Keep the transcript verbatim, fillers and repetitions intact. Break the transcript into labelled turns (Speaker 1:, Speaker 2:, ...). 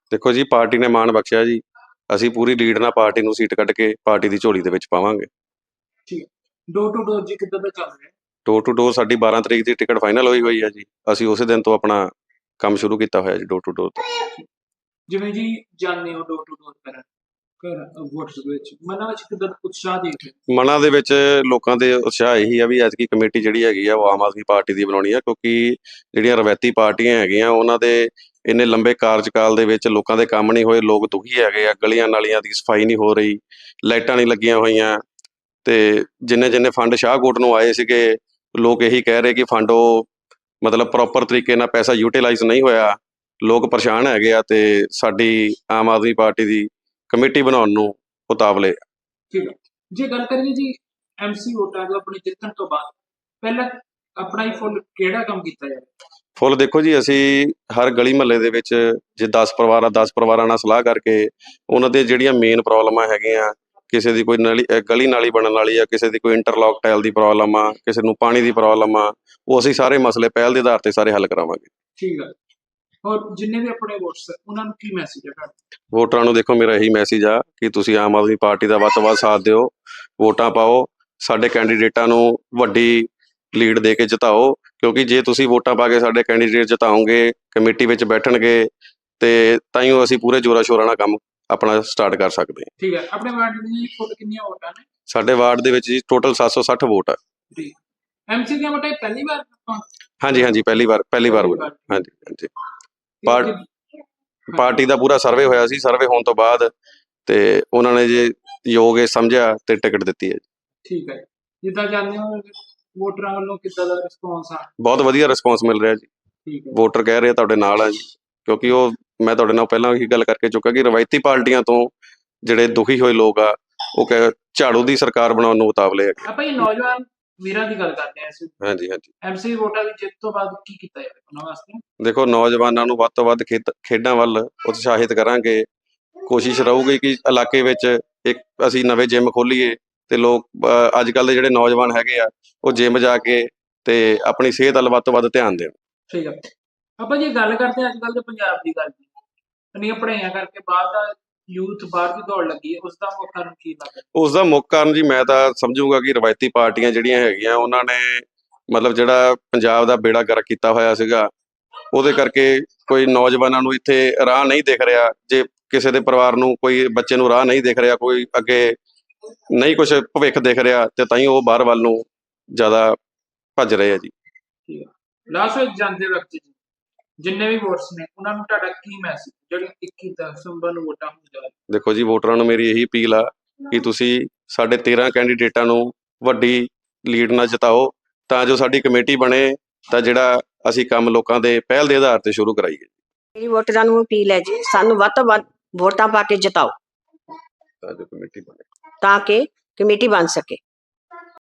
Speaker 1: देखो जी, पार्टी ने माण बख्शिया जी, ਅਸੀਂ ਪੂਰੀ ਲੀਡ ਨਾਲ ਪਾਰਟੀ ਨੂੰ ਸੀਟ ਕੱਢ ਕੇ ਪਾਰਟੀ ਦੀ ਝੋਲੀ ਦੇ ਵਿੱਚ ਪਾਵਾਂਗੇ।
Speaker 2: ਠੀਕ ਹੈ। ਡੋਰ ਟੂ ਡੋਰ ਜੀ ਕਿੱਦਾਂ ਦਾ ਚੱਲ ਰਿਹਾ ਹੈ?
Speaker 1: ਡੋਰ ਟੂ ਡੋਰ ਸਾਡੀ ਬਾਰਾਂ ਤਰੀਕ ਦੀ ਟਿਕਟ ਫਾਈਨਲ ਹੋਈ ਹੋਈ ਹੈ ਜੀ। ਅਸੀਂ ਉਸੇ ਦਿਨ ਤੋਂ ਆਪਣਾ ਕੰਮ ਸ਼ੁਰੂ ਕੀਤਾ ਹੋਇਆ ਜੀ ਡੋਰ ਟੂ ਡੋਰ ਦਾ।
Speaker 2: ਜਿਵੇਂ ਜੀ ਜਾਂਦੇ ਹੋ ਡੋਰ ਟੂ ਡੋਰ ਕਰਨ ਘਰ ਵੋਟਸ ਦੇ ਵਿੱਚ ਮਨਾਂ ਵਿੱਚ ਕਿੱਦਾਂ ਦਾ ਉਤਸ਼ਾਹ ਦੇਖਦੇ ਹੋ?
Speaker 1: ਮਨਾਂ ਦੇ ਵਿੱਚ ਲੋਕਾਂ ਦੇ ਉਤਸ਼ਾਹ ਇਹੀ ਆ ਵੀ ਐਤਕੀ ਕਮੇਟੀ ਜਿਹੜੀ ਹੈਗੀ ਆ ਉਹ ਆਮ ਆਦਮੀ ਪਾਰਟੀ ਦੀ ਬਣਾਉਣੀ ਆ, ਕਿਉਂਕਿ ਜਿਹੜੀਆਂ ਰਵਾਇਤੀ ਪਾਰਟੀਆਂ ਹੈਗੀਆਂ ਉਹਨਾਂ ਦੇ ਇੰਨੇ ਲੰਬੇ ਕਾਰਜਕਾਲ ਦੇ ਵਿੱਚ ਲੋਕਾਂ ਦੇ ਕੰਮ ਨਹੀਂ ਹੋਏ, ਲੋਕ ਦੁਖੀ ਹੈਗੇ ਆ, ਗਲੀਆਂ ਨਾਲੀਆਂ ਦੀ ਸਫਾਈ ਨਹੀਂ ਹੋ ਰਹੀ, ਲਾਈਟਾਂ ਨਹੀਂ ਲੱਗੀਆਂ ਹੋਈਆਂ, ਤੇ ਜਿੰਨੇ ਜਿੰਨੇ ਫੰਡ ਸ਼ਾਹਕੋਟ ਨੂੰ ਆਏ ਸੀਗੇ ਲੋਕ ਇਹੀ ਕਹਿ ਰਹੇ ਕਿ ਫੰਡ ਉਹ ਮਤਲਬ ਪ੍ਰੋਪਰ ਤਰੀਕੇ ਨਾਲ ਪੈਸਾ ਯੂਟੀਲਾਈਜ਼ ਨਹੀਂ ਹੋਇਆ, ਲੋਕ ਪਰੇਸ਼ਾਨ ਹੈਗੇ ਆ, ਤੇ ਸਾਡੀ ਆਮ ਆਦਮੀ ਪਾਰਟੀ ਦੀ ਕਮੇਟੀ ਬਣਾਉਣ ਨੂੰ ਉਤਾਵਲੇ।
Speaker 2: ਠੀਕ ਹੈ। ਜੇ ਗੱਲ ਕਰੀਏ ਜੀ ਐਮਸੀ ਵੋਟਾਂ ਦਾ ਆਪਣੇ ਜਿੱਤਣ ਤੋਂ ਬਾਅਦ ਪਹਿਲਾਂ ਆਪਣਾ ਹੀ ਫੁੱਲ ਕਿਹੜਾ ਕੰਮ ਕੀਤਾ ਜਾਵੇ?
Speaker 1: ਫੁੱਲ ਦੇਖੋ ਜੀ, ਅਸੀਂ ਹਰ ਗਲੀ ਮਹੱਲੇ ਦੇ ਵਿੱਚ ਜੇ ਦਸ ਪਰਿਵਾਰ ਆ ਦਸ ਪਰਿਵਾਰਾਂ ਨਾਲ ਸਲਾਹ ਕਰਕੇ ਉਹਨਾਂ ਦੇ ਜਿਹੜੀਆਂ ਮੇਨ ਪ੍ਰੋਬਲਮਾਂ ਹੈਗੀਆਂ, ਕਿਸੇ ਦੀ ਕੋਈ ਨਲੀ ਗਲੀ ਨਾਲੀ ਬਣਨ ਵਾਲੀ ਆ, ਕਿਸੇ ਦੀ ਕੋਈ ਇੰਟਰਲੋਕ ਟਾਇਲ ਦੀ ਪ੍ਰੋਬਲਮ ਆ, ਕਿਸੇ ਨੂੰ ਪਾਣੀ ਦੀ ਪ੍ਰੋਬਲਮ ਆ, ਉਹ ਅਸੀਂ ਸਾਰੇ ਮਸਲੇ ਪਹਿਲ ਦੇ ਆਧਾਰ ਤੇ ਸਾਰੇ ਹੱਲ ਕਰਾਵਾਂਗੇ।
Speaker 2: ਠੀਕ ਹੈ। ਔਰ ਜਿੰਨੇ ਵੀ ਆਪਣੇ ਵੋਟਸ ਉਹਨਾਂ ਨੂੰ ਕੀ ਮੈਸੇਜ ਹੈ ਤੁਹਾਡਾ?
Speaker 1: ਵੋਟਰਾਂ ਨੂੰ ਦੇਖੋ ਮੇਰਾ ਇਹੀ ਮੈਸੇਜ ਆ ਕਿ ਤੁਸੀਂ ਆਮ ਆਦਮੀ ਪਾਰਟੀ ਦਾ ਵੱਧ ਤੋਂ ਵੱਧ ਸਾਥ ਦਿਓ, ਵੋਟਾਂ ਪਾਓ, ਸਾਡੇ ਕੈਂਡੀਡੇਟਾਂ ਨੂੰ ਵੱਡੀ ਲੀਡ ਦੇ ਕੇ ਜਿਤਾਓ, ਕਿਉਂਕਿ ਜੇ ਤੁਸੀਂ ਵੋਟਾਂ ਪਾ ਕੇ ਸਾਡੇ ਕੈਂਡੀਡੇਟ ਜਿਤਾਓਗੇ, ਕਮੇਟੀ ਵਿੱਚ ਬੈਠਣਗੇ, ਤੇ ਤਾਈਓ ਅਸੀਂ ਪੂਰੇ ਜ਼ੋਰਾਂ ਸ਼ੋਰਾਂ ਨਾਲ ਕੰਮ ਆਪਣਾ ਸਟਾਰਟ ਕਰ ਸਕਦੇ ਹਾਂ।
Speaker 2: ਠੀਕ ਹੈ। ਆਪਣੇ ਵਾਰਡ ਦੀ ਕੁੱਲ ਕਿੰਨੀਆਂ ਵੋਟਾਂ ਨੇ?
Speaker 1: ਸਾਡੇ ਵਾਰਡ ਦੇ ਵਿੱਚ ਜੀ ਟੋਟਲ ਸੱਤ ਸੌ ਸੱਠ ਵੋਟ ਆ।
Speaker 2: ਜੀ। ਐਮਸੀ ਦੀਆਂ ਵੋਟਾਂ ਪਹਿਲੀ ਵਾਰ ਆਪਾਂ
Speaker 1: ਹਾਂਜੀ ਹਾਂਜੀ ਪਹਿਲੀ ਵਾਰ ਪਹਿਲੀ ਵਾਰ ਹੋਈ। ਹਾਂਜੀ ਹਾਂਜੀ ਪਾਰ ਪਾਰਟੀ ਦਾ ਪੂਰਾ ਸਰਵੇ ਹੋਇਆ ਸੀ, ਸਰਵੇ ਹੋਣ ਤੋਂ ਬਾਅਦ ਤੇ ਉਹਨਾਂ ਨੇ ਜੇ ਯੋਗ ਇਹ ਸਮਝਿਆ ਤੇ ਟਿਕਟ ਦਿੱਤੀ ਹੈ।
Speaker 2: ਠੀਕ ਹੈ। ਜਿੱਦਾਂ ਜਾਂਦੇ ਹੋ ਵੋਟਰਾਂ ਵੱਲੋਂ ਕਿੱਦਾਂ ਦਾ ਰਿਸਪੌਂਸ ਆ?
Speaker 1: ਬਹੁਤ ਵਧੀਆ ਰਿਸਪੌਂਸ ਮਿਲ ਰਿਹਾ ਜੀ।
Speaker 2: ਠੀਕ ਹੈ।
Speaker 1: ਵੋਟਰ ਕਹਿ ਰਹੇ ਤੁਹਾਡੇ ਨਾਲ ਆ ਜੀ, ਕਿਉਂਕਿ ਉਹ ਮੈਂ ਤੁਹਾਡੇ ਨਾਲ ਪਹਿਲਾਂ ਹੀ ਗੱਲ ਕਰਕੇ ਚੁੱਕਾ ਕਿ ਰਵਾਇਤੀ ਪਾਰਟੀਆਂ ਤੋਂ ਜਿਹੜੇ ਦੁਖੀ ਹੋਏ ਲੋਕ ਆ ਉਹ ਕਹਿ ਝਾੜੂ ਦੀ ਸਰਕਾਰ ਬਣਾਉਣ ਨੂੰ ਉਤਾਵਲੇ ਆ।
Speaker 2: ਆਪਾਂ ਇਹ ਨੌਜਵਾਨ ਵੀਰਾਂ ਦੀ ਗੱਲ ਕਰਦੇ ਹਾਂ ਅਸੀਂ।
Speaker 1: ਹਾਂਜੀ ਹਾਂਜੀ
Speaker 2: ਐਮਸੀ ਵੋਟਾਂ ਦੀ ਜਿੱਤ ਤੋਂ ਬਾਅਦ ਕੀ ਕੀਤਾ ਜਾਵੇ ਉਹਨਾਂ ਵਾਸਤੇ?
Speaker 1: ਦੇਖੋ, ਨੌਜਵਾਨਾਂ ਨੂੰ ਵੱਧ ਤੋਂ ਵੱਧ ਖੇਤ ਖੇਡਾਂ ਵੱਲ ਉਤਸ਼ਾਹਿਤ ਕਰਾਂਗੇ। ਕੋਸ਼ਿਸ਼ ਰਹੂਗੀ ਕਿ ਇਲਾਕੇ ਵਿੱਚ ਇੱਕ ਅਸੀਂ ਨਵੇਂ ਜਿੰਮ ਖੋਲੀਏ ਤੇ ਲੋਕ ਅੱਜ ਕੱਲ੍ਹ ਦੇ ਜਿਹੜੇ ਨੌਜਵਾਨ ਹੈਗੇ ਆ ਉਹ ਜਿੰਮ ਜਾ ਕੇ ਤੇ ਆਪਣੀ ਸਿਹਤ ਵੱਲ ਵੱਧ ਤੋਂ ਵੱਧ ਧਿਆਨ ਦੇਣ।
Speaker 2: ਠੀਕ ਹੈ। ਆਪਾਂ ਜੇ ਗੱਲ ਕਰਦੇ ਹਾਂ ਅੱਜ ਕੱਲ੍ਹ ਦੇ ਪੰਜਾਬ ਦੀ ਗੱਲ ਦੀ, ਇੰਨੀਆਂ ਪੜ੍ਹਾਈਆਂ ਕਰਕੇ ਬਾਹਰ ਦਾ ਯੂਥ ਬਾਹਰ ਦੀ ਦੌੜ ਲੱਗੀ ਹੈ, ਉਸ ਦਾ ਮੁੱਖ ਕਾਰਨ ਕੀ ਲੱਗਦਾ?
Speaker 1: ਉਸ ਦਾ ਮੁੱਖ ਕਾਰਨ ਜੀ ਮੈਂ ਤਾਂ ਸਮਝੂਗਾ ਕਿ ਰਵਾਇਤੀ ਪਾਰਟੀਆਂ ਜਿਹੜੀਆਂ ਹੈਗੀਆਂ ਉਹਨਾਂ ਨੇ ਮਤਲਬ ਜਿਹੜਾ ਪੰਜਾਬ ਦਾ ਬੇੜਾ ਗਰਕ ਕੀਤਾ ਹੋਇਆ ਸੀਗਾ, ਉਹਦੇ ਕਰਕੇ ਕੋਈ ਨੌਜਵਾਨਾਂ ਨੂੰ ਇੱਥੇ ਰਾਹ ਨਹੀਂ ਦਿਖ ਰਿਹਾ। ਜੇ ਕਿਸੇ ਦੇ ਪਰਿਵਾਰ ਨੂੰ ਕੋਈ ਬੱਚੇ ਨੂੰ ਰਾਹ ਨਹੀਂ ਦਿਖ ਰਿਹਾ, ਕੋਈ ਅੱਗੇ ਨਹੀਂ ਕੁਛ ਭਵਿੱਖ ਦਿਖ ਰਿਹਾ, ਤੇ ਤਾਂ ਹੀ ਉਹ ਬਾਹਰ ਵੱਲ ਨੂੰ ਜ਼ਿਆਦਾ ਭੱਜ ਰਹੇ ਆ ਜੀ।
Speaker 2: ਠੀਕ ਹੈ। ਲਾਸਟ ਵਿੱਚ ਜਾਂਦੇ ਵਕਤ ਜੀ ਜਿੰਨੇ ਵੀ ਵੋਟਸ ਨੇ ਉਹਨਾਂ ਨੂੰ ਤੁਹਾਡਾ ਕੀ ਮੈਸੇਜ ਜਿਹੜੀ ਇੱਕੀ ਦਸੰਬਰ ਨੂੰ ਵੋਟਾਂ ਹੋ ਜਾਣ?
Speaker 1: ਦੇਖੋ ਜੀ, ਵੋਟਰਾਂ ਨੂੰ ਮੇਰੀ ਇਹੀ ਅਪੀਲ ਆ ਕਿ ਤੁਸੀਂ ਸਾਡੇ ਤੇਰਾਂ ਕੈਂਡੀਡੇਟਾਂ ਨੂੰ ਵੱਡੀ ਲੀਡ ਨਾਲ ਜਿਤਾਓ, ਤਾਂ ਜੋ ਸਾਡੀ ਕਮੇਟੀ ਬਣੇ, ਤਾਂ ਜਿਹੜਾ ਅਸੀਂ ਕੰਮ ਲੋਕਾਂ ਦੇ ਪਹਿਲ ਦੇ ਆਧਾਰ ਤੇ ਸ਼ੁਰੂ ਕਰਾਈਏ।
Speaker 3: ਮੇਰੀ ਵੋਟਰਾਂ ਨੂੰ ਅਪੀਲ ਹੈ ਜੀ, ਸਾਨੂੰ ਵੱਧ ਤੋਂ ਵੱਧ ਵੋਟਾਂ ਪਾ ਕੇ ਜਿਤਾਓ
Speaker 1: ਤਾਂ ਜੋ ਕਮੇਟੀ ਬਣੇ
Speaker 3: ਤਾਂ ਕਿ ਕਮੇਟੀ ਬਣ ਸਕੇ।